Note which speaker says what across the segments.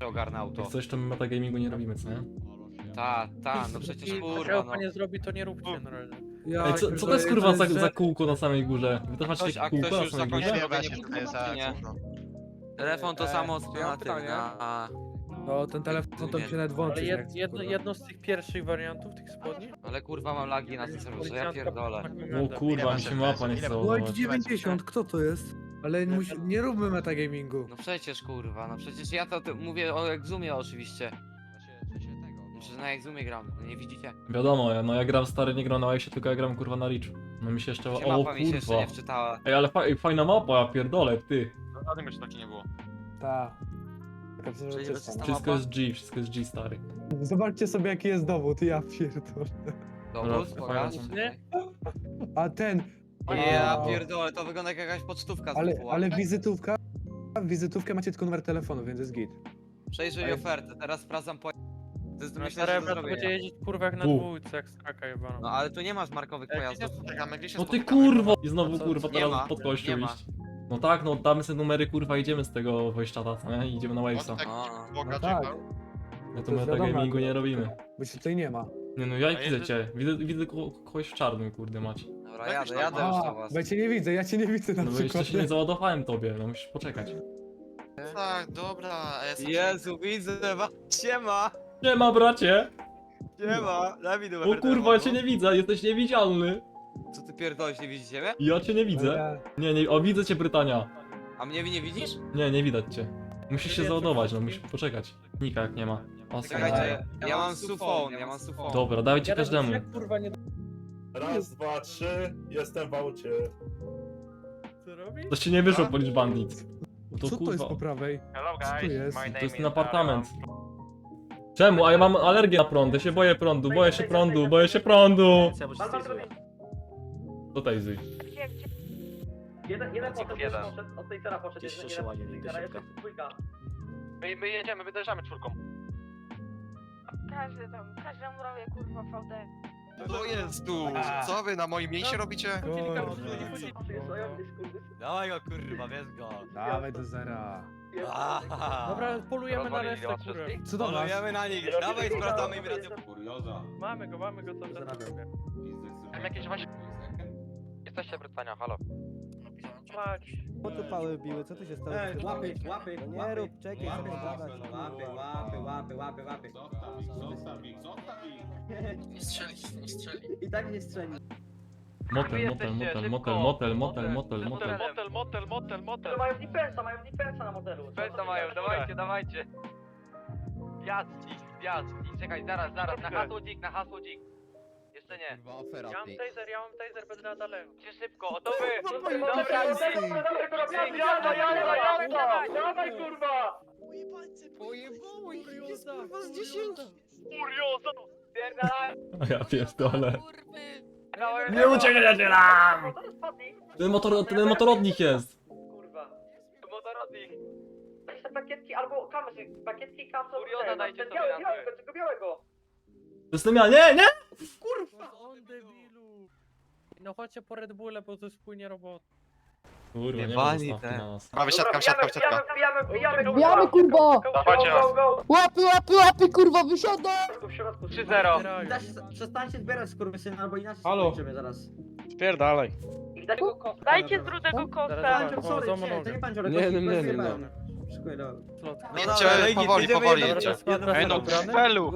Speaker 1: ogarnę auto.
Speaker 2: Jak coś, to my metagamingu nie robimy, co nie?
Speaker 1: No przecież
Speaker 3: I
Speaker 1: kurwa,
Speaker 3: no. nie zrobi, to nie róbcie na razie.
Speaker 2: Ej, co to jest kurwa za kółko na samej górze? Wy to macie
Speaker 1: A
Speaker 2: kółko
Speaker 1: ktoś
Speaker 2: na
Speaker 1: już
Speaker 2: samej
Speaker 1: zakończył
Speaker 2: górze?
Speaker 1: robienie
Speaker 4: Właśnie, to jest
Speaker 1: punktu, nie?
Speaker 4: za
Speaker 1: Telefon to samo co
Speaker 3: ja mam
Speaker 1: na tym,
Speaker 3: pytanie.
Speaker 5: No ten telefon to mi się nawet włączy.
Speaker 3: Ale
Speaker 5: nie chce, kurwa.
Speaker 3: jedno z tych pierwszych wariantów, tych spodni?
Speaker 1: Ale kurwa mam lagi na tym serwerze, ja pierdolę.
Speaker 2: O kurwa, mi się mapa nie chce
Speaker 5: White
Speaker 2: ładować.
Speaker 5: 90, kto to jest? Ale nie róbmy metagamingu.
Speaker 1: No przecież kurwa, no przecież ja to mówię o Exumie oczywiście. Przecież na Exumie gram, no nie widzicie?
Speaker 2: Wiadomo, no ja gram stary, nie gram na Wajsie, tylko ja gram kurwa na Reach. No mi się jeszcze...
Speaker 1: Gdzie
Speaker 2: O
Speaker 1: mapa mi się jeszcze
Speaker 2: kurwa.
Speaker 1: nie wczytała.
Speaker 2: Ej, ale fajna mapa, ja pierdolę, ty.
Speaker 6: Żadnym jeszcze taki nie było.
Speaker 5: Ta. Taka
Speaker 1: Przecież
Speaker 5: przezroczysta.
Speaker 1: to
Speaker 5: no.
Speaker 2: Wszystko jest G, wszystko jest G, stary.
Speaker 5: Zobaczcie sobie jaki jest dowód, ja pierdolę.
Speaker 1: Dowód,
Speaker 2: Dobra,
Speaker 1: pokaż.
Speaker 2: fajnie.
Speaker 3: Nie?
Speaker 5: A ten...
Speaker 1: Ja
Speaker 5: o,
Speaker 1: pierdolę, to wygląda jak jakaś pocztówka z
Speaker 5: Ale,
Speaker 1: WF-u.
Speaker 5: ale wizytówkę macie tylko numer telefonu, więc jest git.
Speaker 1: Przejrzyj
Speaker 5: ale-
Speaker 1: ofertę, teraz sprawdzam po... To jest
Speaker 3: No
Speaker 1: myślę, że
Speaker 3: stary
Speaker 1: do
Speaker 3: brat będzie
Speaker 1: zrobienia.
Speaker 3: jeździć kurwa jak na
Speaker 2: Bu.
Speaker 3: dwójce, jak straka jebana.
Speaker 1: No ale tu nie masz markowych pojazdów.
Speaker 2: No ty kurwo! I znowu kurwa
Speaker 1: Nie
Speaker 2: teraz
Speaker 1: ma,
Speaker 2: pod kościół
Speaker 1: nie ma.
Speaker 2: iść. No tak, no damy sobie numery kurwa, idziemy z tego wejścia, co nie? I idziemy na Wavesa.
Speaker 1: A,
Speaker 5: No tak,
Speaker 2: My
Speaker 5: to
Speaker 2: tu
Speaker 5: jest
Speaker 2: metagamingu
Speaker 5: wiadomo,
Speaker 2: nie robimy.
Speaker 5: bo się tutaj nie ma.
Speaker 2: Nie no, ja
Speaker 6: A
Speaker 2: widzę
Speaker 6: jedzie-
Speaker 2: cię. Widzę kogoś w czarnym, kurde macie.
Speaker 1: Dobra, jadę już do was.
Speaker 5: bo ja cię nie widzę, ja cię nie widzę na
Speaker 2: No bo jeszcze
Speaker 5: przykład.
Speaker 2: się nie załadowałem tobie, no musisz poczekać.
Speaker 4: Tak, dobra.
Speaker 1: Jezu, widzę was. Siema!
Speaker 2: Nie ma bracie!
Speaker 1: Siema! Daj mi numer
Speaker 2: O kurwa, ja cię nie widzę, jesteś niewidzialny!
Speaker 1: Co ty pierdolisz, nie widzicie mnie?
Speaker 2: Ja cię nie widzę. Nie, o widzę cię Brytania.
Speaker 1: A mnie nie widzisz?
Speaker 2: Nie widać cię. Musisz się załadować, no musisz poczekać. Nika jak nie ma. O,
Speaker 1: Czekajcie, ja mam sufon, ja mam sufon.
Speaker 2: Dobra, dajcie każdemu.
Speaker 3: Kurwa nie...
Speaker 7: Raz, dwa, trzy, jestem w aucie.
Speaker 3: Co robi?
Speaker 2: To się nie wyszło polić bandit. To
Speaker 5: Co to jest
Speaker 2: kurwa.
Speaker 5: po prawej?
Speaker 6: Hello
Speaker 5: Co to jest?
Speaker 2: To jest ten apartament. Czemu? A ja mam alergię na prąd, ja się boję prądu, boję się prądu, boję się prądu! Do Tejzy.
Speaker 8: Jeden poszedł,
Speaker 6: jeden.
Speaker 8: od tej cera poszedł,
Speaker 6: Gdzieś
Speaker 8: jeden
Speaker 6: się ładnie,
Speaker 8: poszedł,
Speaker 6: idę
Speaker 8: jeszcze
Speaker 6: szybko.
Speaker 8: dwójka.
Speaker 6: My jedziemy, wyjeżdżamy czwórką.
Speaker 9: Każdy robię kurwa VD.
Speaker 4: To jest tu. Co wy na moim miejscu robicie?
Speaker 1: Dawaj go kurwa, wiesz go.
Speaker 5: Dawaj do zera.
Speaker 3: Dobra, polujemy na
Speaker 6: Rozwalili
Speaker 3: resztę kurę.
Speaker 5: Co do was?
Speaker 1: Polujemy na nich, dawaj sprawdzamy im rację.
Speaker 3: Mamy go co teraz robię.
Speaker 6: Tam jakieś właśnie... Jesteście Brytania, halo.
Speaker 3: Mać.
Speaker 10: Po tu pały biły, co tu się stało?
Speaker 8: Łapy,
Speaker 10: No nie rób, czekaj,
Speaker 8: łapy,
Speaker 10: zobacz.
Speaker 8: łapy. I tak nie strzeli.
Speaker 2: Motel.
Speaker 8: Mają defensa na modelu.
Speaker 6: Dawajcie. Wjazd, czekaj, zaraz, na hasło dzik. Jeszcze nie.
Speaker 3: Ja mam taser, będę na daleko.
Speaker 6: Cię szybko, to wy!
Speaker 8: Dawaj kurwa!
Speaker 6: Kurioza! Pierdalaj!
Speaker 2: Ja pierdolę.
Speaker 6: Dawaj,
Speaker 2: Nie uciekajcie nam! Ten motorodnik jest.
Speaker 8: Kurwa.
Speaker 6: motorodnik!
Speaker 8: Weź te pakietki albo kamzy, pakietki kamzy.
Speaker 6: Kurioza dajcie
Speaker 8: ten
Speaker 6: sobie
Speaker 8: biały,
Speaker 6: na
Speaker 8: białego,
Speaker 6: tył.
Speaker 8: tego białego.
Speaker 2: To jestem ja, nie!
Speaker 3: On debilu. No chodźcie po Red Bulle, bo to jest płynie robota.
Speaker 2: Kurwa, nie ma
Speaker 1: Jebani
Speaker 2: zostawki
Speaker 1: te.
Speaker 2: na nas.
Speaker 4: Prawy siatka, siatka.
Speaker 10: Bijamy, kurwa!
Speaker 6: Dawajcie nas.
Speaker 10: Łapy, kurwa, wysiadaj!
Speaker 8: W środku.
Speaker 6: 3-0.
Speaker 8: Przestańcie zbierać skurwysyny, albo inaczej
Speaker 3: Halo.
Speaker 8: skończymy zaraz.
Speaker 6: Spierdalaj.
Speaker 8: I dać go kosta.
Speaker 9: Dajcie z rudego kosta.
Speaker 3: Zaraz,
Speaker 8: Pancior, sorry,
Speaker 3: za
Speaker 8: nie, to
Speaker 3: monogę.
Speaker 8: nie pancior,
Speaker 3: Nie.
Speaker 8: Szykuję do...
Speaker 4: Jedźcie, powoli jedźcie.
Speaker 6: Ej no, felu!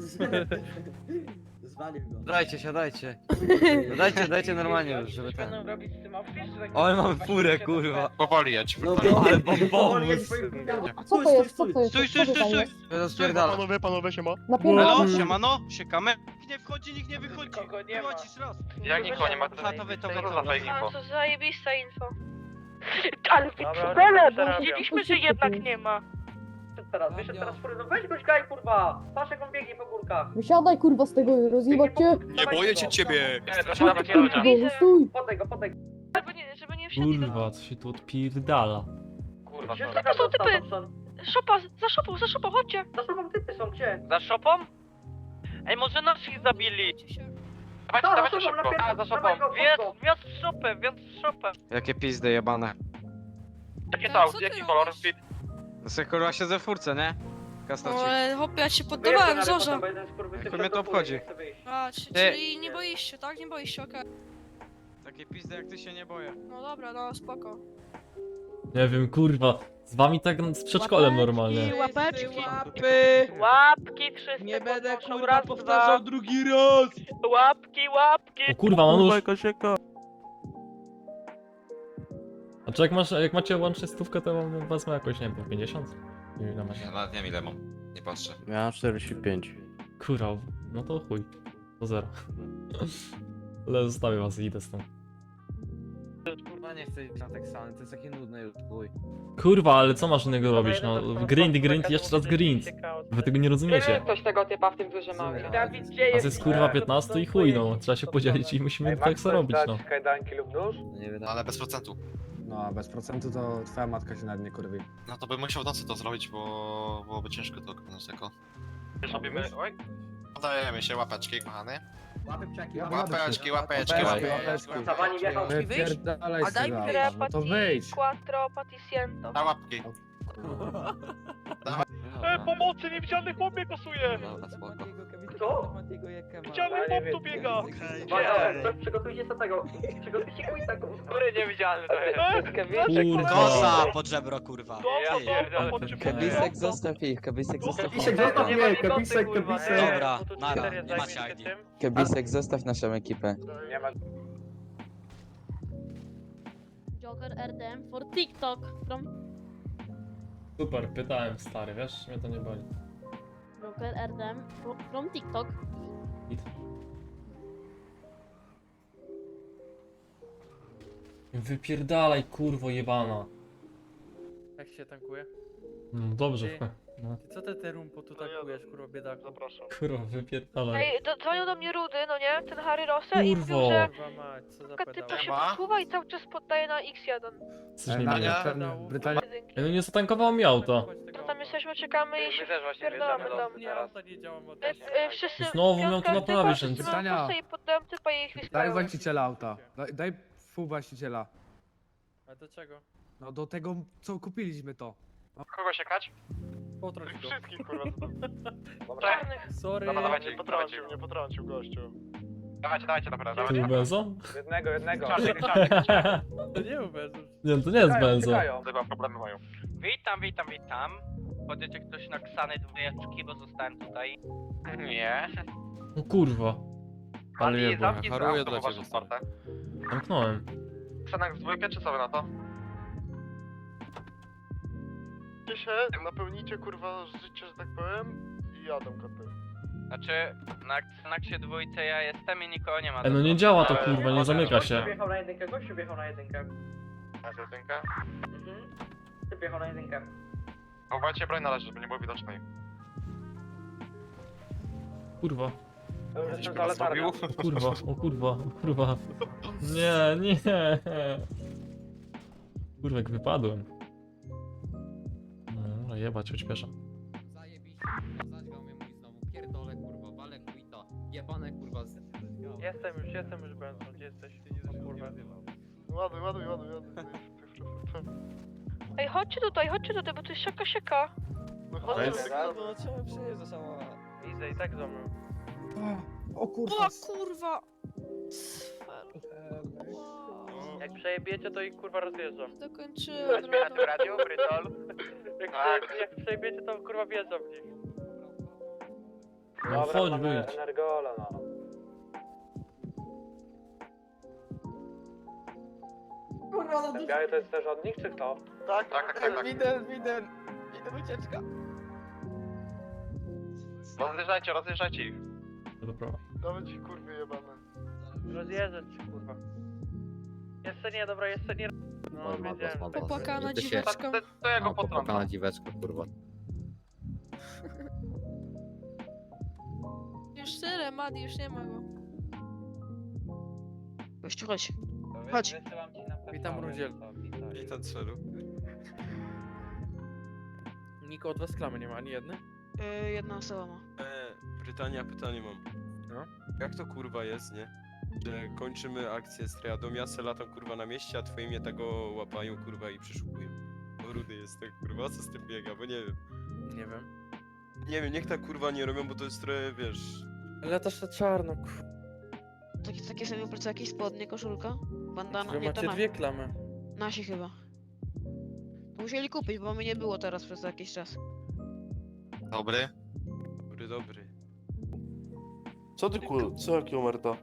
Speaker 8: Zwalił go.
Speaker 1: Dajcie, siadajcie. No dajcie normalnie już, żeby ten...
Speaker 9: Będą robić z tym outfit?
Speaker 1: Ale mamy furę, kurwa.
Speaker 4: Powoli jedź.
Speaker 8: No
Speaker 1: Ale
Speaker 8: powoli
Speaker 1: bombowóz.
Speaker 8: jedź swoim...
Speaker 10: A co to jest, co to jest?
Speaker 6: Stój,
Speaker 10: Co to tam jest?
Speaker 1: Ja to spierdala.
Speaker 6: Panowie, siema.
Speaker 10: Napierdam.
Speaker 6: siemano, siekamy. Nikt nie wchodzi, nikt nie wychodzi.
Speaker 8: Nikogo nie ma.
Speaker 6: Wychodzisz raz. Jak nikogo nie ma, to
Speaker 9: A, to zajebista info. Ale
Speaker 3: Dobra,
Speaker 9: piksele, bo
Speaker 3: zarabiam.
Speaker 9: widzieliśmy, że jednak nie ma.
Speaker 8: Wyszedł teraz fury, no weź goś gaj kurwa! Patrz jak on biegnie po górkach.
Speaker 10: Wysiadaj, kurwa, z tego, rozjebać cię!
Speaker 4: Nie boję się ciebie.
Speaker 10: Kurwa, stój!
Speaker 8: Podaj go.
Speaker 9: Żeby nie wsiadli do...
Speaker 2: Kurwa, co się tu odpierdala?
Speaker 6: Kurwa,
Speaker 9: To są typy. Szopa, za szopą, chodźcie.
Speaker 8: Za sobą typy są, gdzie?
Speaker 6: Za szopą? Ej, może naszych zabili. Dawajcie szybko. A, za szopą. Wjazd w szopę.
Speaker 1: Jakie pizdy jebane.
Speaker 6: Jakie to auto, jaki kolor?
Speaker 1: No sobie kurwa siedzę w furce, nie?
Speaker 9: Ale hopie, ja się poddawałem, Zorza.
Speaker 8: Jak mnie to obchodzi?
Speaker 9: A, czyli nie boisz tak? Nie boisz się, okej.
Speaker 3: Takie pizdy jak ty się nie boję.
Speaker 9: No dobra, no spoko.
Speaker 2: Nie wiem, kurwa. Z wami tak z przedszkolem normalnie.
Speaker 9: Łapeczki.
Speaker 6: Łapki wszyscy
Speaker 3: Nie będę
Speaker 6: podnoszą,
Speaker 3: kurwa
Speaker 6: raz,
Speaker 3: powtarzał
Speaker 6: dwa.
Speaker 3: drugi raz!
Speaker 6: Łapki, łapki!
Speaker 2: O kurwa, Manusz.
Speaker 3: Kosieka.
Speaker 2: A czy jak macie łącznie stówkę, to wam wezmę jakoś, nie wiem, 50? Nie wiem, ile macie.
Speaker 4: Ja nawet nie wiem ile mam. Nie patrzę.
Speaker 3: Ja 45.
Speaker 2: Kurwa, no to chuj. To zero. Ale zostawię was i idę stąd.
Speaker 1: Kurwa nie chcę iść na Teksany, to jest takie nudne już, chuj.
Speaker 2: Kurwa, ale co masz innego robić, no? Grind, jeszcze raz grind. Wy tego nie rozumiecie.
Speaker 8: Ktoś tego typa w tym dużym
Speaker 1: aucie.
Speaker 6: Dawid, gdzie
Speaker 2: A
Speaker 6: jest?
Speaker 2: to jest kurwa 15 i chuj, no. Trzeba się podzielić i musimy tak co robić, no.
Speaker 8: kajdanki lub nóż?
Speaker 1: Nie wiem,
Speaker 4: No ale bez procentu.
Speaker 5: No, bez procentu to twoja matka się nad nie kurwi.
Speaker 4: No to bym musiał w nocy to zrobić, bo byłoby ciężko to oglądać jako.
Speaker 8: Robimy... Oj.
Speaker 4: Podajemy się, łapeczki, kochany.
Speaker 5: Łapeczki,
Speaker 4: Łapeczki, łapeczki,
Speaker 5: Łapeczki,
Speaker 4: łapeczki.
Speaker 8: Zawani wjechał.
Speaker 5: Wypierdalaj
Speaker 9: A daj mi
Speaker 5: sobie.
Speaker 9: grę
Speaker 5: No to wyjdź.
Speaker 9: quattro paticiento.
Speaker 4: Na łapki.
Speaker 6: Pomocy, niewidzialny chłop mnie kosuje!
Speaker 1: Dobra, spoko.
Speaker 8: Co?
Speaker 6: Widzialny chłop tu biega!
Speaker 8: Przygotujcie sobie tego. Przygotujcie quiza,
Speaker 6: Który niewidzialny to jest?
Speaker 2: Kurwa.
Speaker 11: Kosa pod żebro, kurwa.
Speaker 6: Kebisek
Speaker 11: zostaw ich, Kebisek
Speaker 8: Kebisek, zostaw mnie, Kebisek, Kebisek.
Speaker 11: Dobra, nara, nie macie ID. Kebisek, zostaw naszą ekipę.
Speaker 8: Nie ma.
Speaker 9: Joker RDM for TikTok.
Speaker 2: Super, pytałem stary, wiesz? Mnie to nie boli.
Speaker 9: Joker RDM from TikTok.
Speaker 2: Wypierdalaj, kurwo jebana.
Speaker 3: Jak się tankuje?
Speaker 2: No dobrze,
Speaker 3: Ty.
Speaker 2: no.
Speaker 3: Ty co te rumpo tu tankujesz, kurwa biedaku?
Speaker 6: Zapraszam.
Speaker 2: Kurwa, wypierdalaj.
Speaker 9: Ej, dzwonił do mnie Rudy, no nie? Ten Harry Rosse i mówił,
Speaker 2: Kurwo.
Speaker 9: że
Speaker 3: Kurwa mać, co za
Speaker 9: taka typa
Speaker 3: pedał.
Speaker 9: się
Speaker 4: Ma?
Speaker 9: posuwa i cały czas poddaje na X1.
Speaker 2: Coś nie
Speaker 5: Na
Speaker 2: wiem.
Speaker 5: ten Brytania.
Speaker 2: Ej, no nie zatankowało mi auto.
Speaker 9: No tam jesteśmy, czekamy i się
Speaker 6: My też właśnie
Speaker 9: wpierdolamy
Speaker 6: wjeżdżamy
Speaker 9: tam.
Speaker 3: Nie, auto nie działa od
Speaker 9: Wszyscy
Speaker 2: Znowu miał
Speaker 9: piątka
Speaker 2: to
Speaker 9: typa,
Speaker 2: naprawić,
Speaker 9: wszyscy
Speaker 2: więc-
Speaker 9: mają
Speaker 5: Pytania.
Speaker 9: kosę i poddałem typa i ich
Speaker 5: Daj
Speaker 9: wystawiam.
Speaker 5: właściciela auta. Daj pół właściciela.
Speaker 3: A do czego?
Speaker 5: No do tego, co kupiliśmy to.
Speaker 6: Kogo siekać?
Speaker 3: Potrąć go.
Speaker 6: Wszystkich, kurwa.
Speaker 9: Czarnych.
Speaker 3: Sorry.
Speaker 6: Dobra, dawajcie, potrącił mnie, potrącił gościu. Dawajcie, dobra,
Speaker 2: To był
Speaker 6: dawajcie.
Speaker 2: benzo?
Speaker 8: Jednego.
Speaker 6: Czarny.
Speaker 3: To nie uwierzysz.
Speaker 2: Nie, to nie jest benzo.
Speaker 6: Chyba problemy mają. Witam. Chodzicie ktoś na Ksany dwójeczki, bo zostałem tutaj. Nie.
Speaker 2: O kurwa.
Speaker 6: Ale zamknij haruję dla ciebie.
Speaker 2: Zamknąłem.
Speaker 6: Ksanak z dwójkę, czy co wy na to? się, napełnicie kurwa życie, że tak powiem i jadą koty. Znaczy, na Xanaxie dwójce ja jestem i nikogo nie ma.
Speaker 2: No nie działa to kurwa, nie zamyka się.
Speaker 8: Wjechał na jedynkę, gościu wjechał na jedynkę.
Speaker 6: Na jedynkę?
Speaker 8: Ty wjechał na jedynkę.
Speaker 6: Chowajcie broń na razie, żeby nie było widocznej.
Speaker 2: Kurwa,
Speaker 8: Jestem za letargą.
Speaker 2: kurwa, o kurwa, o kurwa. Nie, nie. Kurwa, jak wypadłem. No, jebać, odśpieszam.
Speaker 1: Zajebiście, zadźgał mnie mój znowu, pierdolę kurwa, walę quita, jebane kurwa z...
Speaker 3: Jestem już Benzo, gdzie jesteś? O kurwa.
Speaker 6: Ładuj.
Speaker 9: Ej, chodźcie tutaj, bo to jest siaka.
Speaker 6: No
Speaker 3: chodź.
Speaker 11: No trzeba przyjeżdżać, sama.
Speaker 3: Idę i tak za mną.
Speaker 5: O kurwa.
Speaker 9: O kurwa!
Speaker 3: Jak przejebiecie, to ich kurwa rozjeżdżam.
Speaker 9: Dokończyłem.
Speaker 6: Radio, Brytol.
Speaker 3: Jak przejebiecie, to kurwa wjeżdżam w nich.
Speaker 2: No chodź, wyjdź.
Speaker 8: Energola, no. Ten biały to jest też od nich, czy kto?
Speaker 6: Tak.
Speaker 11: Widzę ucieczka.
Speaker 6: Rozjeżdżajcie ich.
Speaker 2: Dobra.
Speaker 6: Nawet ci kurwy jebane.
Speaker 3: Rozjeżdżać się kurwa. Jeszcze nie, dobra, jeszcze nie. No, wiedziałem.
Speaker 9: Popłakana dziweczka.
Speaker 6: To ja go potrącę.
Speaker 1: dziweczka kurwa.
Speaker 9: Już tyle, Madi, już nie ma go.
Speaker 10: Gościu, chodź. Chodź.
Speaker 3: Witam Rudziel.
Speaker 4: Witam celu.
Speaker 3: Niko od was klamy nie ma, ani jednej?
Speaker 10: Jedna osoba ma.
Speaker 12: Brytania, pytanie mam.
Speaker 3: No?
Speaker 12: Jak to kurwa jest, nie? Że kończymy akcję z triadą, ja se latam kurwa na mieście, a twoje mnie tego łapają kurwa i przeszukują. O, rudy jest tak kurwa, co z tym biega, bo nie wiem.
Speaker 3: Nie wiem.
Speaker 12: Nie wiem, niech tak kurwa nie robią, bo to jest trochę, wiesz...
Speaker 3: Ale też na czarno,
Speaker 10: Takie same plecaki, spodnie, koszulka, bandana,
Speaker 3: Wy
Speaker 10: nie to
Speaker 3: macie dwie klamy.
Speaker 10: nasi chyba. To musieli kupić, bo mnie nie było teraz przez jakiś czas.
Speaker 4: Dobry.
Speaker 12: Dobry.
Speaker 7: Co ty co jaki omerta?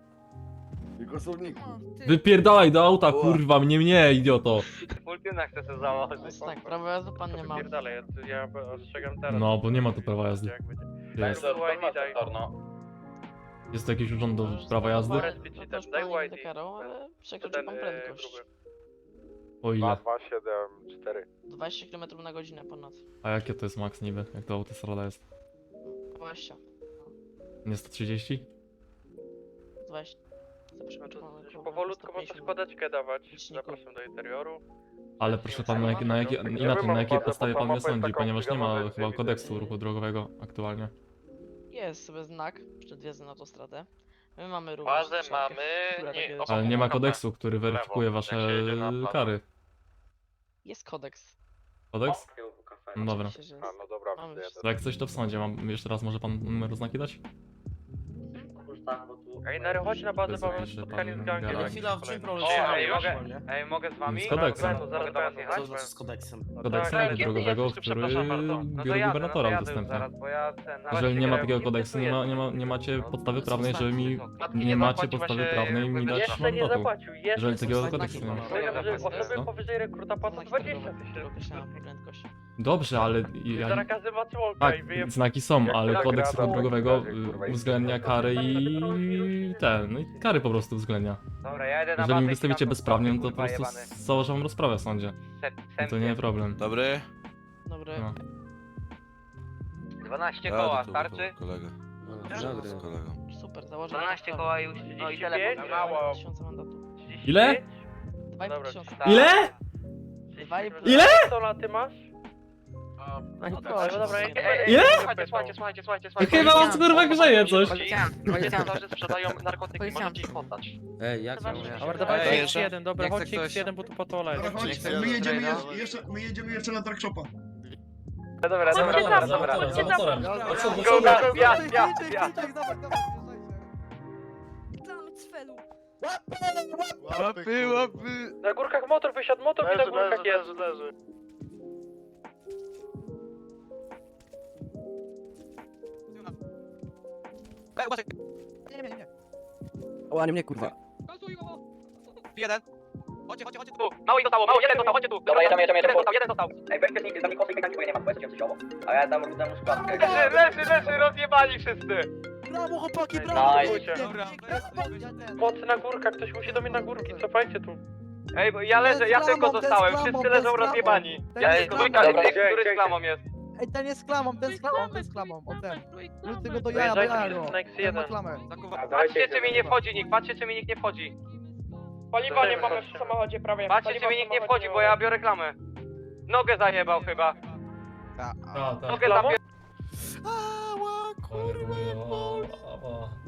Speaker 2: Wypierdalaj do auta, kurwa, mnie, idioto.
Speaker 6: Multina chce się założyć.
Speaker 10: Tak, prawo jazdy pan nie ma.
Speaker 6: Dalej, ja ostrzegam teraz.
Speaker 2: No, bo nie ma tu prawa jazdy.
Speaker 6: Jak będzie.
Speaker 2: Jest.
Speaker 6: Daj.
Speaker 2: Jest to jakiś urząd do prawa jazdy?
Speaker 10: To już
Speaker 6: Daj
Speaker 10: pan nie
Speaker 6: YD.
Speaker 10: deklarował, ale przekroczył pan prędkość.
Speaker 2: O ile?
Speaker 6: 274.
Speaker 10: 20 km na godzinę ponad.
Speaker 2: A jakie to jest max niby? Jak to autostrada jest?
Speaker 10: 20.
Speaker 2: Nie 130?
Speaker 10: 20.
Speaker 6: Powolutku można składeczkę dawać. Zapraszam do interioru.
Speaker 2: Ale proszę pan, na jakiej podstawie pan mnie sądzi, ponieważ nie ma chyba kodeksu ruchu drogowego aktualnie.
Speaker 10: Jest sobie znak przed wjazdem na autostradę. My mamy również
Speaker 6: Bazę
Speaker 10: strzałkę,
Speaker 6: mamy,
Speaker 10: która
Speaker 6: nie,
Speaker 10: takie-
Speaker 2: Ale nie ma kodeksu, który weryfikuje wasze
Speaker 6: jak się jedzie na plażę.
Speaker 2: kary.
Speaker 10: Jest kodeks.
Speaker 2: Kodeks? No dobra.
Speaker 10: Oczywiście, że jest.
Speaker 6: no dobra,
Speaker 10: Mamy wszystko.
Speaker 2: To jak coś to w sądzie, jeszcze raz może pan numer oznaki dać?
Speaker 6: Ej, Nary, chodź na bazę,
Speaker 2: Bez
Speaker 6: bo mamy
Speaker 2: jakiejś, że
Speaker 6: spotkanie
Speaker 2: pan
Speaker 6: z gangiem.
Speaker 2: gada.
Speaker 1: Chwila, w czym problem?
Speaker 6: Ej, mogę z wami?
Speaker 2: Z kodeksem.
Speaker 6: No, zaraz do was jechać?
Speaker 1: z kodeksem?
Speaker 2: Kodeksem
Speaker 6: tak,
Speaker 2: ruchu drogowego,
Speaker 6: jest,
Speaker 2: który
Speaker 6: przepraszam bardzo.
Speaker 2: biuro gubernatora udostępnia. Jeżeli nie ma takiego kodeksu, nie macie podstawy prawnej, żeby mi... Nie macie podstawy prawnej mi dać
Speaker 6: Jeszcze nie
Speaker 2: mandatu.
Speaker 6: zapłacił,
Speaker 2: Jeżeli takiego
Speaker 10: Znaki
Speaker 2: kodeksu nie ma.
Speaker 6: Osoby
Speaker 2: No.
Speaker 6: powyżej rekruta płacą
Speaker 10: Znaki
Speaker 6: 20
Speaker 10: drogowe, które
Speaker 6: tysięcy.
Speaker 10: określają prędkość.
Speaker 2: Dobrze, ale...
Speaker 6: Zaraz każdy ma członka
Speaker 2: Tak,
Speaker 6: i wyje...
Speaker 2: znaki są, ale
Speaker 6: Jak
Speaker 2: kodeks
Speaker 6: gra,
Speaker 2: ruchu drogowego
Speaker 6: kurwa,
Speaker 2: uwzględnia kary i no i kary po prostu uwzględnia.
Speaker 6: Dobra, ja jedę na
Speaker 2: Jeżeli mi
Speaker 6: bazę i
Speaker 2: wystawicie
Speaker 6: tam
Speaker 2: bezprawnie, no to po
Speaker 6: kurwa,
Speaker 2: prostu
Speaker 6: jebany.
Speaker 2: założę wam rozprawę w sądzie. I to nie problem.
Speaker 12: Dobry?
Speaker 10: Dobry.
Speaker 2: No.
Speaker 6: 12 koła, starczy?
Speaker 12: Kolega.
Speaker 10: Dobry.
Speaker 12: Z kolegą.
Speaker 10: Super, założę
Speaker 6: 12 koła i już 35?
Speaker 10: telefon.
Speaker 6: Mało.
Speaker 10: 2000 mandatu.
Speaker 2: Ile?
Speaker 10: 2,5 tysiąca.
Speaker 2: Ile?
Speaker 10: 2,5.
Speaker 2: Ile?
Speaker 6: Co na ty masz?
Speaker 10: No
Speaker 6: No
Speaker 10: proszę,
Speaker 6: dobra,
Speaker 2: Ile?
Speaker 6: Słuchajcie.
Speaker 2: Chyba was kurwa grzeje coś.
Speaker 6: Policjanci sprzedają narkotyki, możecie ich poddać.
Speaker 11: Ej, jak
Speaker 10: Zobaczmy,
Speaker 11: ja
Speaker 10: czy
Speaker 3: Dobra,
Speaker 10: się
Speaker 3: dawajcie
Speaker 1: Ej,
Speaker 3: X1, dobra,
Speaker 1: nie chce
Speaker 3: chodźcie
Speaker 1: ktoś-
Speaker 3: X1, bo tu patole jest.
Speaker 1: Nie chcę
Speaker 13: My jedziemy jeszcze na Darkshopa.
Speaker 6: Dobra.
Speaker 2: Za motorem.
Speaker 12: Łapy!
Speaker 6: Na górkach motor wysiadł, motor i na górkach jest.
Speaker 11: O, nie mnie kurwa.
Speaker 1: Jeden. Chodźcie tu.
Speaker 6: Mało zostało, jeden został, chodźcie tu.
Speaker 8: Dobra, jeden
Speaker 6: Jeden został.
Speaker 8: Ej, weźcie z nami kosy i bo ja nie mam, powiedzcie coś owo. A ja dam rudemu składkę.
Speaker 6: Leży, rozjebali wszyscy.
Speaker 11: Brawo chłopaki,
Speaker 6: Nice.
Speaker 1: Dobra,
Speaker 6: Mocy na górkach, ktoś musi do mnie na górki, cofajcie tu. Ej, bo ja leżę, ja tylko zostałem, wszyscy leżą rozjebani. Ja jest dwójka, który z klamą jest.
Speaker 11: Ej, ten jest klamą, ten z klamą, o ten. Rzuć tego do
Speaker 6: Wyjeżdżajcie wszyscy na X1.
Speaker 11: klamę.
Speaker 6: Patrzcie, czy mi nie wchodzi nikt, patrzcie, czy mi nikt nie wchodzi. Paliwa nie mamy w samochodzie prawie. Patrzcie, czy mi nikt nie wchodzi, bo ja biorę klamę. Nogę zajebał chyba.
Speaker 2: Tak, tak.
Speaker 6: Nogę zapier...
Speaker 2: Kurwa.